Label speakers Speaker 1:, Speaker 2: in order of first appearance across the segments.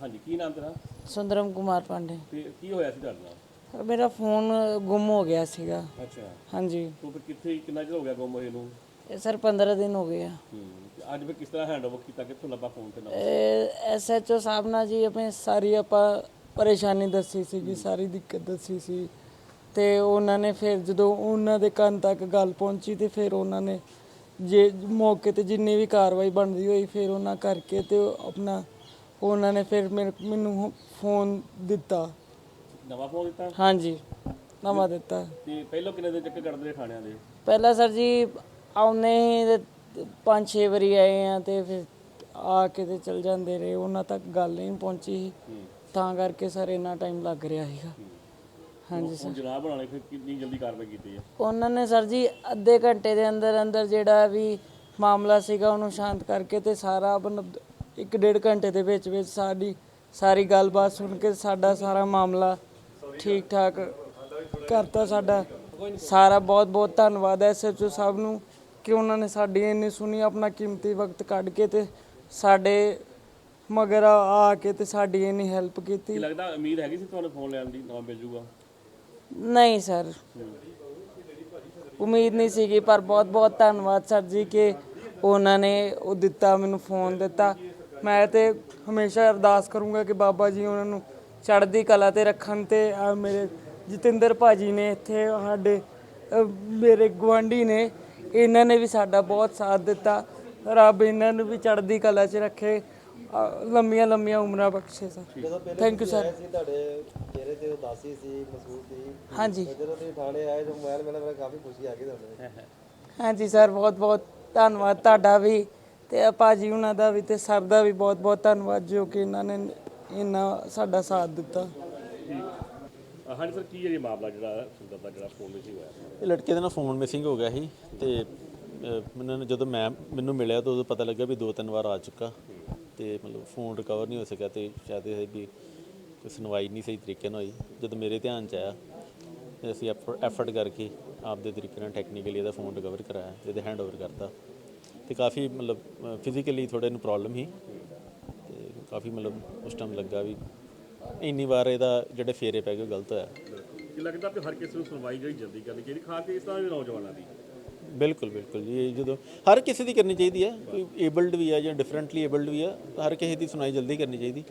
Speaker 1: ਹਾਂਜੀ, ਕੀ ਨਾਮ ਤੇਰਾ
Speaker 2: ਸੁੰਦਰਮ ਕੁਮਾਰ ਪਾਂਡੇ।
Speaker 1: ਤੇ ਕੀ ਹੋਇਆ ਸੀ ਤੁਹਾਡੇ ਨਾਲ?
Speaker 2: ਮੇਰਾ ਫੋਨ ਗੁੰਮ ਹੋ ਗਿਆ ਸੀਗਾ।
Speaker 1: ਅੱਛਾ,
Speaker 2: ਹਾਂਜੀ,
Speaker 1: ਤੂੰ ਫਿਰ ਕਿੱਥੇ ਕਿੰਨਾ ਚਿਰ ਹੋ ਗਿਆ ਗੁੰਮ ਹੋਏ ਨੂੰ?
Speaker 2: ਇਹ ਸਰ 15 ਦਿਨ ਹੋ ਗਏ ਆ।
Speaker 1: ਤੇ ਅੱਜ ਫਿਰ ਕਿਸ ਤਰ੍ਹਾਂ ਹੈਂਡਓਵਰ ਕੀਤਾ, ਕਿੱਥੋਂ ਲੱਭਾ ਫੋਨ ਤੇ ਨਵਾਂ?
Speaker 2: SHO ਸਾਹਿਬ ਨਾਲ ਜੀ ਆਪਣੀ ਸਾਰੀ ਆਪਾਂ ਪਰੇਸ਼ਾਨੀ ਦੱਸੀ ਸੀਗੀ, ਸਾਰੀ ਦਿੱਕਤ ਦੱਸੀ ਸੀ ਤੇ ਉਹਨਾਂ ਨੇ ਫਿਰ ਜਦੋਂ ਉਹਨਾਂ ਦੇ ਕੰਨ ਤੱਕ ਗੱਲ ਪਹੁੰਚੀ ਤੇ ਫਿਰ ਉਹਨਾਂ ਨੇ ਜੇ ਮੌਕੇ ਤੇ ਜਿੰਨੀ ਵੀ ਕਾਰਵਾਈ ਬਣਦੀ ਹੋਈ ਫਿਰ ਉਹਨਾਂ ਕਰਕੇ ਤੇ ਆਪਣਾ ਉਹਨਾਂ ਨੇ ਫਿਰ ਮੈਨੂੰ ਫੋਨ ਦਿੱਤਾ।
Speaker 1: ਨਵਾਂ ਫੋਨ ਦਿੱਤਾ?
Speaker 2: ਹਾਂਜੀ, ਨਵਾਂ ਦਿੱਤਾ।
Speaker 1: ਤੇ ਪਹਿਲਾਂ ਕਿੰਨੇ ਦਿਨ ਚੱਕਰ ਕੱਢਦੇ ਰਹੇ ਥਾਣਿਆਂ ਦੇ?
Speaker 2: ਪਹਿਲਾਂ ਸਰ ਜੀ ਆਉਂਦੇ ਹੀ 5-6 ਵਾਰੀ ਆਏ ਆ ਤੇ ਫਿਰ ਆ ਕੇ ਤੇ ਚਲ ਜਾਂਦੇ ਰਹੇ, ਉਹਨਾਂ ਤੱਕ ਗੱਲ ਨਹੀਂ ਪਹੁੰਚੀ ਤਾਂ ਕਰਕੇ ਸਰ ਇੰਨਾ ਟਾਈਮ ਲੱਗ ਰਿਹਾ ਸੀਗਾ। ਹਾਂਜੀ ਸਰ,
Speaker 1: ਜਨਾਬ ਬਣਾਉਣੇ ਫਿਰ ਕਿੰਨੀ ਜਲਦੀ ਕਾਰਵਾਈ ਕੀਤੀ ਹੈ?
Speaker 2: ਉਹਨਾਂ ਨੇ ਸਰ ਜੀ ਅੱਧੇ ਘੰਟੇ ਦੇ ਅੰਦਰ ਅੰਦਰ ਜਿਹੜਾ ਵੀ ਮਾਮਲਾ ਸੀਗਾ ਉਹਨੂੰ ਸ਼ਾਂਤ ਕਰਕੇ ਤੇ ਸਾਰਾ 1-1.5 ਘੰਟੇ ਦੇ ਵਿੱਚ ਵਿੱਚ ਸਾਰੀ ਗੱਲਬਾਤ ਸੁਣ ਕੇ ਸਾਡਾ ਸਾਰਾ ਮਾਮਲਾ ਠੀਕ ਠਾਕ ਕਰਤਾ। ਸਾਡਾ ਸਾਰਾ ਬਹੁਤ ਬਹੁਤ ਧੰਨਵਾਦ ਹੈ SHO ਸਾਹਿਬ ਨੂੰ ਕਿ ਉਹਨਾਂ ਨੇ ਸਾਡੀ ਇੰਨੀ ਸੁਣੀ, ਆਪਣਾ ਕੀਮਤੀ ਵਕਤ ਕੱਢ ਕੇ ਤੇ ਸਾਡੇ ਮਗਰ ਆ ਕੇ ਤੇ ਸਾਡੀ ਇੰਨੀ ਹੈਲਪ ਕੀਤੀ।
Speaker 1: ਕੀ ਲੱਗਦਾ ਉਮੀਦ ਹੈਗੀ ਸੀ ਤੁਹਾਨੂੰ ਫੋਨ ਲੈਣ ਦੀ ਨਵਾਂ ਮਿਲ ਜੂਗਾ?
Speaker 2: ਨਹੀਂ ਸਰ, ਉਮੀਦ ਨਹੀਂ ਸੀਗੀ, ਪਰ ਬਹੁਤ ਬਹੁਤ ਧੰਨਵਾਦ ਸਰ ਜੀ ਕਿ ਉਹਨਾਂ ਨੇ ਉਹ ਦਿੱਤਾ, ਮੈਨੂੰ ਫੋਨ ਦਿੱਤਾ। ਮੈਂ ਤੇ ਹਮੇਸ਼ਾ ਅਰਦਾਸ ਕਰੂੰਗਾ ਕਿ ਬਾਬਾ ਜੀ ਉਹਨਾਂ ਨੂੰ ਚੜ੍ਹਦੀ ਕਲਾ ਤੇ ਰੱਖਣ ਤੇ ਮੇਰੇ ਜਤਿੰਦਰ ਭਾਜੀ ਨੇ ਇੱਥੇ ਸਾਡੇ ਮੇਰੇ ਗੁਆਂਢੀ ਨੇ, ਇਹਨਾਂ ਨੇ ਵੀ ਸਾਡਾ ਬਹੁਤ ਸਾਥ ਦਿੱਤਾ। ਰੱਬ ਇਹਨਾਂ ਨੂੰ ਵੀ ਚੜ੍ਹਦੀ ਕਲਾ 'ਚ ਰੱਖੇ, ਲੰਮੀਆਂ ਲੰਮੀਆਂ ਉਮਰਾਂ ਬਖਸ਼ੇ ਸਰ। Thank you sir.
Speaker 3: ਤੁਹਾਡੇ ਚਿਹਰੇ ਤੇ ਉਦਾਸੀ ਸੀ, ਮਹਿਸੂਸ ਸੀ।
Speaker 2: ਹਾਂਜੀ,
Speaker 3: ਜਦੋਂ ਤੁਸੀਂ ਥਾਣੇ ਆਏ ਤਾਂ ਮੋਬਾਈਲ ਮਿਲਿਆ, ਕਾਫੀ ਖੁਸ਼ੀ ਆ ਗਈ ਤੁਹਾਨੂੰ?
Speaker 2: ਹਾਂਜੀ ਸਰ, ਬਹੁਤ ਬਹੁਤ ਧੰਨਵਾਦ ਤੁਹਾਡਾ ਵੀ ਤੇ ਭਾਜੀ ਉਹਨਾਂ ਦਾ ਵੀ ਤੇ ਸਰ ਦਾ ਵੀ ਬਹੁਤ ਬਹੁਤ ਧੰਨਵਾਦ ਜੋ ਕਿ ਇਹਨਾਂ ਨੇ ਇੰਨਾ ਸਾਡਾ ਸਾਥ ਦਿੱਤਾ।
Speaker 1: ਹਾਂਜੀ ਸਰ, ਕੀ ਹੈ ਇਹ ਮਾਮਲਾ ਜਿਹੜਾ ਸੁੰਦਰ ਦਾ ਜਿਹੜਾ ਫੋਨ ਮਿਸਿੰਗ ਹੋਇਆ?
Speaker 4: ਇਹ ਲੜਕੇ ਦਾ ਨਾ ਫੋਨ ਮਿਸਿੰਗ ਹੋ ਗਿਆ ਸੀ ਤੇ ਜਦੋਂ ਮੈਨੂੰ ਮਿਲਿਆ ਤਾਂ ਉਦੋਂ ਪਤਾ ਲੱਗਾ ਵੀ 2-3 ਵਾਰ ਆ ਚੁੱਕਾ ਤੇ ਮਤਲਬ ਫੋਨ ਰਿਕਵਰ ਨਹੀਂ ਹੋ ਸਕਿਆ ਤੇ ਸ਼ਾਇਦ ਇਹ ਵੀ ਕੋਈ ਸੁਣਵਾਈ ਨਹੀਂ ਸਹੀ ਤਰੀਕੇ ਨਾਲ ਹੋਈ। ਜਦੋਂ ਮੇਰੇ ਧਿਆਨ 'ਚ ਆਇਆ ਤੇ ਅਸੀਂ ਐਫਰਟ ਕਰਕੇ ਆਪਦੇ ਤਰੀਕੇ ਨਾਲ ਟੈਕਨੀਕਲੀ ਇਹਦਾ ਫੋਨ ਰਿਕਵਰ ਕਰਾਇਆ, ਇਹਦੇ ਹੈਂਡਓਵਰ ਕਰਤਾ ਤੇ ਕਾਫੀ ਮਤਲਬ ਫਿਜ਼ੀਕਲੀ ਥੋੜ੍ਹੇ ਨੂੰ ਪ੍ਰੋਬਲਮ ਸੀ ਤੇ ਕਾਫੀ ਮਤਲਬ ਉਸ ਟਾਈਮ ਲੱਗਾ ਵੀ ਇੰਨੀ ਵਾਰ ਇਹਦਾ ਜਿਹੜੇ ਫੇਰੇ ਪੈ ਗਏ ਉਹ ਗਲਤ ਹੋਇਆ।
Speaker 1: ਕੀ ਲੱਗਦਾ ਕਿ ਹਰ ਕਿਸੇ ਨੂੰ ਸੁਣਵਾਈ ਜਿਹੜੀ ਜਲਦੀ ਕਰਨੀ ਚਾਹੀਦੀ, ਖਾਸ ਕਰਕੇ ਇਸ ਤਰ੍ਹਾਂ ਦੇ ਨੌਜਵਾਨਾਂ ਦੀ?
Speaker 4: ਬਿਲਕੁਲ ਬਿਲਕੁਲ ਜੀ, ਇਹ ਜਦੋਂ ਹਰ ਕਿਸੇ ਦੀ ਕਰਨੀ ਚਾਹੀਦੀ ਹੈ, ਕੋਈ ਏਬਲਡ ਵੀ ਹੈ ਜਾਂ ਡਿਫਰੈਂਟਲੀ ਏਬਲਡ ਵੀ ਹੈ, ਹਰ ਕਿਸੇ ਦੀ ਸੁਣਾਈ ਜਲਦੀ ਕਰਨੀ ਚਾਹੀਦੀ।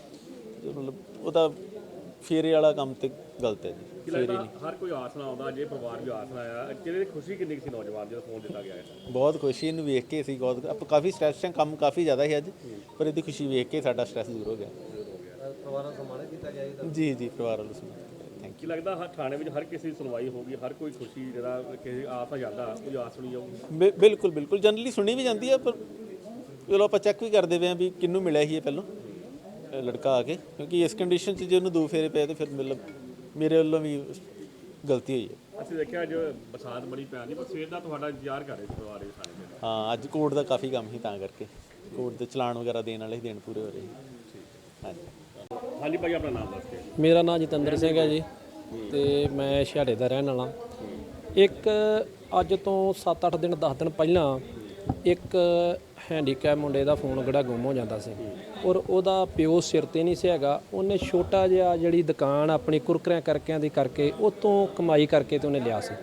Speaker 4: ਮਤਲਬ ਉਹਦਾ ਫੇਰੇ ਵਾਲਾ ਕੰਮ ਤੇ ਗਲਤ ਹੈ ਜੀ।
Speaker 1: ਕੀ ਲੱਗਦਾ ਹਰ ਕੋਈ ਆਸ ਨਾਲ ਆਉਂਦਾ, ਜੇ ਪਰਿਵਾਰ ਵੀ ਆਸ ਨਾਲ ਆਇਆ, ਕਿਹਦੇ ਖੁਸ਼ੀ ਕਿੰਨੀ ਸੀ ਨੌਜਵਾਨ ਜਦੋਂ ਫੋਨ ਦਿੱਤਾ ਗਿਆ ਹੈ?
Speaker 4: ਬਹੁਤ ਖੁਸ਼ੀ ਇਹਨੂੰ ਵੇਖ ਕੇ ਸੀ, ਬਹੁਤ ਆਪਾਂ ਕਾਫੀ ਸਟ੍ਰੈਸ ਕੰਮ ਕਾਫੀ ਜ਼ਿਆਦਾ ਸੀ ਅੱਜ, ਪਰ ਇਹਦੀ ਖੁਸ਼ੀ ਵੇਖ ਕੇ ਸਾਡਾ ਸਟ੍ਰੈਸ ਦੂਰ ਹੋ ਗਿਆ।
Speaker 3: ਪਰਿਵਾਰਾਂ ਨੂੰ ਸਨਮਾਨਿਤ ਕੀਤਾ ਗਿਆ
Speaker 4: ਜੀ ਜੀ, ਪਰਿਵਾਰ ਵੱਲੋਂ ਸਨਮਾਨਿਤ। ਥੈਂਕ
Speaker 1: ਕੀ ਲੱਗਦਾ ਹਰ ਥਾਣੇ ਵਿੱਚ ਹਰ ਕਿਸੇ ਦੀ ਸੁਣਵਾਈ ਹੋਊਗੀ, ਹਰ ਕੋਈ ਖੁਸ਼ੀ ਜਿਹੜਾ ਕਿਸੇ ਆਸ ਆ ਜਾਂਦਾ, ਕੋਈ ਆਸ ਸੁਣੀ ਜਾਊਗੀ?
Speaker 4: ਬਿਲਕੁਲ ਬਿਲਕੁਲ, ਜਨਰਲੀ ਸੁਣੀ ਵੀ ਜਾਂਦੀ ਹੈ, ਪਰ ਚਲੋ ਆਪਾਂ ਚੈੱਕ ਵੀ ਕਰਦੇ ਪਏ ਹਾਂ ਵੀ ਕਿਹਨੂੰ ਮਿਲਿਆ ਸੀ ਇਹ ਪਹਿਲਾਂ ਲੜਕਾ ਆ ਕੇ, ਕਿਉਂਕਿ ਇਸ ਕੰਡੀਸ਼ਨ 'ਚ ਜੇ ਉਹਨੂੰ 2 ਫੇਰੇ ਪਏ ਤਾਂ ਫਿਰ ਮਤਲਬ ਮੇਰੇ ਵੱਲੋਂ ਵੀ ਗਲਤੀ ਹੋਈ ਹੈ।
Speaker 1: ਅਸੀਂ ਦੇਖਿਆ ਅੱਜ ਬਰਸਾਤ ਬੜੀ ਪੈਣ ਦੀ, ਪਰ ਸਵੇਰ ਦਾ ਤੁਹਾਡਾ ਇੰਤਜ਼ਾਰ ਕਰ ਰਹੇ ਸੀ ਪਰਿਵਾਰ ਦੇ ਥਾਣੇ ਦੇ?
Speaker 4: ਹਾਂ, ਅੱਜ ਕੋਰਟ ਦਾ ਕਾਫੀ ਕੰਮ ਸੀ ਤਾਂ ਕਰਕੇ ਕੋਰਟ ਦੇ ਚਲਾਨ ਵਗੈਰਾ ਦੇਣ ਵਾਲੇ ਦਿਨ ਪੂਰੇ ਹੋ ਰਹੇ ਸੀ। ਹਾਂਜੀ
Speaker 1: ਹਾਂਜੀ ਭਾਈ, ਆਪਣਾ ਨਾਮ ਦੱਸ ਕੇ।
Speaker 5: ਮੇਰਾ ਨਾਮ ਜਤਿੰਦਰ ਸਿੰਘ ਹੈ ਜੀ ਤੇ ਮੈਂ ਛਿਹਾੜੇ ਦਾ ਰਹਿਣ ਵਾਲਾ। ਇੱਕ ਅੱਜ ਤੋਂ 7-8 ਦਿਨ 10 ਦਿਨ ਪਹਿਲਾਂ ਇੱਕ ਹੈਂਡੀਕੈਪ ਮੁੰਡੇ ਦਾ ਫੋਨ ਜਿਹੜਾ ਗੁੰਮ ਹੋ ਜਾਂਦਾ ਸੀ ਔਰ ਉਹਦਾ ਪਿਓ ਸਿਰ ਤੇ ਨਹੀਂ ਸੀ ਹੈਗਾ। ਉਹਨੇ ਛੋਟਾ ਜਿਹਾ ਜਿਹੜੀ ਦੁਕਾਨ ਆਪਣੀ ਕੁਰਕਰਿਆਂ ਕਰਕਿਆਂ ਦੀ ਕਰਕੇ ਉਹ ਤੋਂ ਕਮਾਈ ਕਰਕੇ ਤੇ ਉਹਨੇ ਲਿਆ ਸੀ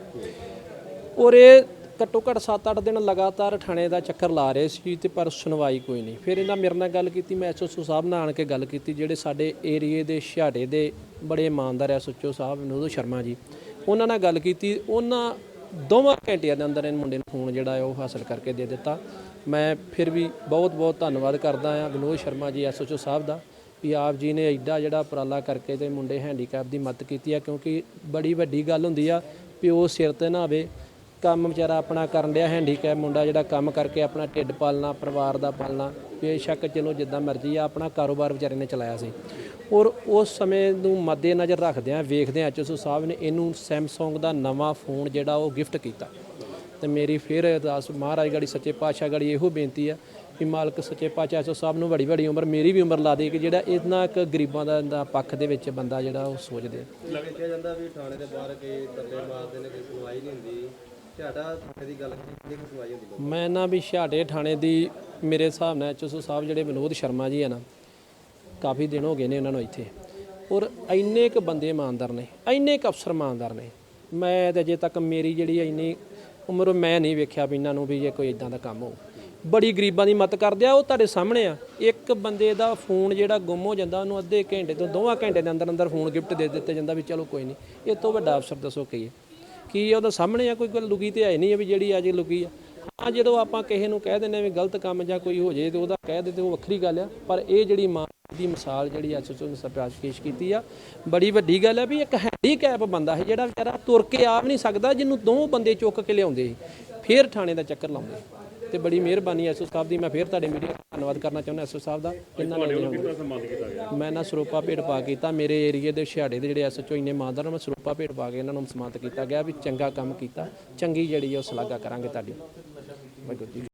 Speaker 5: ਔਰ ਇਹ ਘੱਟੋ ਘੱਟ 7-8 ਦਿਨ ਲਗਾਤਾਰ ਥਾਣੇ ਦਾ ਚੱਕਰ ਲਾ ਰਹੇ ਸੀ ਤੇ ਪਰ ਸੁਣਵਾਈ ਕੋਈ ਨਹੀਂ। ਫਿਰ ਇਹਨਾਂ ਮੇਰੇ ਨਾਲ ਗੱਲ ਕੀਤੀ, ਮੈਂ SHO ਸਾਹਿਬ ਨਾਲ ਆਣ ਕੇ ਗੱਲ ਕੀਤੀ, ਜਿਹੜੇ ਸਾਡੇ ਏਰੀਏ ਦੇ ਛਿਹਾੜੇ ਦੇ ਬੜੇ ਇਮਾਨਦਾਰ SHO ਸਾਹਿਬ ਵਿਨੋਦ ਸ਼ਰਮਾ ਜੀ, ਉਹਨਾਂ ਨਾਲ ਗੱਲ ਕੀਤੀ। ਉਹਨਾਂ 2 ਘੰਟਿਆਂ ਦੇ ਅੰਦਰ ਇਹ ਮੁੰਡੇ ਨੂੰ ਫੋਨ ਜਿਹੜਾ ਹੈ ਉਹ ਹਾਸਲ ਕਰਕੇ ਦੇ ਦਿੱਤਾ। ਮੈਂ ਫਿਰ ਵੀ ਬਹੁਤ ਬਹੁਤ ਧੰਨਵਾਦ ਕਰਦਾ ਹਾਂ ਵਿਨੋਦ ਸ਼ਰਮਾ ਜੀ SHO ਸਾਹਿਬ ਦਾ ਵੀ ਆਪ ਜੀ ਨੇ ਐਡਾ ਜਿਹੜਾ ਉਪਰਾਲਾ ਕਰਕੇ ਤੇ ਮੁੰਡੇ ਹੈਂਡੀਕੈਪ ਦੀ ਮਦਦ ਕੀਤੀ ਹੈ, ਕਿਉਂਕਿ ਬੜੀ ਵੱਡੀ ਗੱਲ ਹੁੰਦੀ ਆ ਵੀ ਉਹ ਸਿਰ ਤੇ ਨਾ ਆਵੇ, ਕੰਮ ਵਿਚਾਰਾ ਆਪਣਾ ਕਰਨ ਡਿਆ ਹੈਂਡੀਕੈਪ ਮੁੰਡਾ ਜਿਹੜਾ ਕੰਮ ਕਰਕੇ ਆਪਣਾ ਢਿੱਡ ਪਾਲਣਾ, ਪਰਿਵਾਰ ਦਾ ਪਾਲਣਾ, ਬੇਸ਼ੱਕ ਚਲੋ ਜਿੱਦਾਂ ਮਰਜ਼ੀ ਆ ਆਪਣਾ ਕਾਰੋਬਾਰ ਵਿਚਾਰੇ ਨੇ ਚਲਾਇਆ ਸੀ। ਔਰ ਉਸ ਸਮੇਂ ਨੂੰ ਮੱਦੇ ਨਜ਼ਰ ਰੱਖਦਿਆਂ ਵੇਖਦਿਆਂ SHO ਸਾਹਿਬ ਨੇ ਇਹਨੂੰ ਸੈਮਸੰਗ ਦਾ ਨਵਾਂ ਫੋਨ ਜਿਹੜਾ ਉਹ ਗਿਫਟ ਕੀਤਾ। ਤੇ ਮੇਰੀ ਫਿਰ ਅਰਦਾਸ ਮਹਾਰਾਜ ਗਾੜੀ ਸੱਚੇ ਪਾਤਸ਼ਾਹ ਗਾੜੀ ਇਹੋ ਬੇਨਤੀ ਆ ਕਿ ਮਾਲਕ ਸੱਚੇ ਪਾਤਸ਼ਾਹ SHO ਸਾਹਿਬ ਨੂੰ ਬੜੀ ਬੜੀ ਉਮਰ, ਮੇਰੀ ਵੀ ਉਮਰ ਲਾ ਦੇ ਕਿ ਜਿਹੜਾ ਇਹਨਾਂ ਇੱਕ ਗਰੀਬਾਂ ਦਾ ਪੱਖ ਦੇ ਵਿੱਚ ਬੰਦਾ ਜਿਹੜਾ ਉਹ ਸੋਚਦੇ।
Speaker 3: ਕਿਹਾ ਜਾਂਦਾ ਵੀ ਥਾਣੇ ਦੇ ਬਾਹਰ ਕੋਈ ਧੱਕੇ ਮਾਰਦੇ ਨੇ, ਕੋਈ ਸੁਣਵਾਈ ਨਹੀਂ ਹੁੰਦੀ। ਛਿਹਾੜਾ ਥਾਣੇ ਦੀ ਗੱਲ ਕਿੰਨੀ ਕੁ ਸੁਣਵਾਈ ਹੁੰਦੀ?
Speaker 5: ਮੈਂ ਨਾ ਵੀ ਛਿਹਾੜੇ ਥਾਣੇ ਦੀ ਮੇਰੇ ਹਿਸਾਬ ਨਾਲ SHO ਸਾਹਿਬ ਜਿਹੜੇ ਵਿਨੋਦ ਸ਼ਰਮਾ ਜੀ ਆ ਨਾ, ਕਾਫੀ ਦਿਨ ਹੋ ਗਏ ਨੇ ਉਹਨਾਂ ਨੂੰ ਇੱਥੇ। ਔਰ ਇੰਨੇ ਕੁ ਬੰਦੇ ਇਮਾਨਦਾਰ ਨੇ, ਇੰਨੇ ਕੁ ਅਫਸਰ ਇਮਾਨਦਾਰ ਨੇ, ਮੈਂ ਤਾਂ ਅਜੇ ਤੱਕ ਮੇਰੀ ਜਿਹੜੀ ਇੰਨੀ ਉਮਰ ਮੈਂ ਨਹੀਂ ਵੇਖਿਆ ਵੀ ਇਹਨਾਂ ਨੂੰ ਵੀ ਇਹ ਕੋਈ ਇਦਾਂ ਦਾ ਕੰਮ ਹੋ। ਬੜੀ ਗਰੀਬਾਂ ਦੀ ਮਦਦ ਕਰਦੇ ਆ। ਉਹ ਤੁਹਾਡੇ ਸਾਹਮਣੇ ਆ, ਇੱਕ ਬੰਦੇ ਦਾ ਫੋਨ ਜਿਹੜਾ ਗੁੰਮ ਹੋ ਜਾਂਦਾ ਉਹਨੂੰ ਅੱਧੇ ਘੰਟੇ ਤੋਂ 2 ਘੰਟੇ ਦੇ ਅੰਦਰ ਅੰਦਰ ਫੋਨ ਗਿਫਟ ਦੇ ਦਿੱਤਾ ਜਾਂਦਾ ਵੀ ਚਲੋ ਕੋਈ ਨਹੀਂ। ਇਹ ਤੋਂ ਵੱਡਾ ਅਫਸਰ ਦੱਸੋ ਕੀ ਹੈ? ਕੀ ਉਹਦਾ ਸਾਹਮਣੇ ਆ? ਕੋਈ ਗੱਲ ਲੁਕੀ ਤੇ ਹੈ ਨਹੀਂ ਹੈ ਵੀ ਜਿਹੜੀ ਅੱਜ ਲੁਕੀ ਆ। ਹਾਂ, ਜਦੋਂ ਆਪਾਂ ਕਿਸੇ ਨੂੰ ਕਹਿ ਦਿੰਦੇ ਵੀ ਗਲਤ ਕੰਮ ਜਾਂ ਕੋਈ ਹੋ ਜੇ ਤੇ ਉਹਦਾ ਕਹਿ ਦੇ ਤੇ ਉਹ ਵੱਖਰੀ ਗੱਲ ਆ, ਪਰ ਇਹ ਜਿਹੜੀ ਮਾਂ ਦੀ ਮਿਸਾਲ ਜਿਹੜੀ ਐਸਐਚਓ ਨੇ ਸਰਪ੍ਰਾਈਜ਼ ਪੇਸ਼ ਕੀਤੀ ਆ, ਬੜੀ ਵੱਡੀ ਗੱਲ ਹੈ ਵੀ ਇੱਕ ਹੈਂਡੀਕੈਪ ਬੰਦਾ ਹੈ ਜਿਹੜਾ ਵਿਚਾਰਾ ਤੁਰ ਕੇ ਆ ਵੀ ਨਹੀਂ ਸਕਦਾ, ਜਿਹਨੂੰ 2 ਬੰਦੇ ਚੁੱਕ ਕੇ ਲਿਆਉਂਦੇ ਸੀ, ਫਿਰ ਥਾਣੇ ਦਾ ਚੱਕਰ ਲਾਉਂਦੇ। ਤੇ ਬੜੀ ਮਿਹਰਬਾਨੀ ਐਸਓ ਸਾਹਿਬ ਦੀ। ਮੈਂ ਫਿਰ ਤੁਹਾਡੇ ਮੀਡੀਆ ਦਾ ਧੰਨਵਾਦ ਕਰਨਾ ਚਾਹੁੰਦਾ ਐਸਓ ਸਾਹਿਬ ਦਾ। ਇਹਨਾਂ ਨੇ ਮੈਂ ਨਾ ਸਰੂਪਾ ਭੇਟ ਪਾ ਕੀਤਾ ਮੇਰੇ ਏਰੀਏ ਦੇ ਛਿਹਾੜੇ ਦੇ ਜਿਹੜੇ ਐਸਐਚਓ ਇੰਨੇ ਇਮਾਨਦਾਰ, ਮੈਂ ਸਰੂਪਾ ਭੇਟ ਪਾ ਕੇ ਇਹਨਾਂ ਨੂੰ ਸਨਮਾਨਿਤ ਕੀਤਾ ਗਿਆ ਵੀ ਚੰਗਾ ਕੰਮ ਕੀਤਾ, ਚੰਗੀ ਜਿਹੜੀ ਉਹ ਸ਼ਲਾਘਾ ਕਰਾਂਗੇ ਤੁਹਾਡੀ। ਵਾਹਿਗੁਰੂ ਜੀ।